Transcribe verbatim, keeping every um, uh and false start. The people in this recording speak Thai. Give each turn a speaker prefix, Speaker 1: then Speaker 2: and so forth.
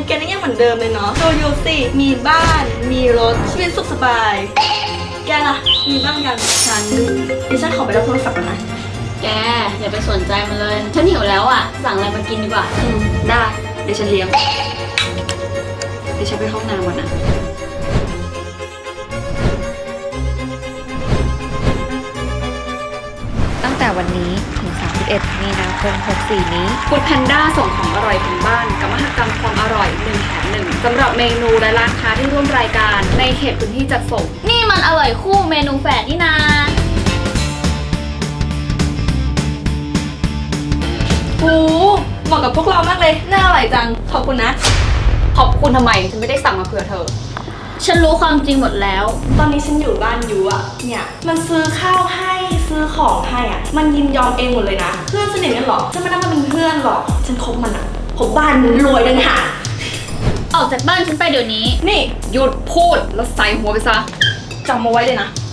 Speaker 1: แกนี่ยังเหมือนเดิมเลยเนาะดูยูสิมีบ้านมีรถชีวิตสุขสบายแกล่ะมีบ้างยังฉันดิฉันขอไปรับโทรศัพท์ก่อนนะ
Speaker 2: แกอย่าไปสนใจมันเลยฉันหิวแล้วอ่ะสั่งอะไรมากินดีกว่า
Speaker 1: อืมได้เดี๋ยวฉันเลี้ยงเดี๋ยวฉันไปห้องน้ำก่อนนะ
Speaker 3: ตั้งแต่วันนี้ถึงสามสิบเอ็ดมีนาคมหกสี่นี้
Speaker 2: ฟู้ดแพนด้าส่งของอร่อยถึงบ้านกับมหกรรมความอร่อยหนึ่งแถมหนึ่งสำหรับเมนูและร้านค้าที่ร่วมรายการในเขตพื้นที่จัดส่งนี่มันอร่อยคู่เมนูแฝดนี่นา
Speaker 1: โอ้เหมาะกับพวกเรามากเลยน่าอร่อยจังขอบคุณนะ
Speaker 2: ขอบคุณทำไมฉันไม่ได้สั่งมาเผื่อเธอฉันรู้ความจริงหมดแล้ว
Speaker 1: ตอนนี้ฉันอยู่บ้านยูอะเนี่ยมันซื้อข้าวให้ซื้อของให้อะมันยินยอมเองหมดเลยนะเพื่อนสนิทกันหรอฉันไม่ได้มาเป็นเพื่อนหรอกฉันคบมันอะผมบ้านรวยดังหา
Speaker 2: ออกจากบ้านฉันไปเดี๋ยวนี้
Speaker 1: นี่
Speaker 2: หยุดพูดแล้วใส่หัวไปซะ
Speaker 1: จำมาไว้เลยนะ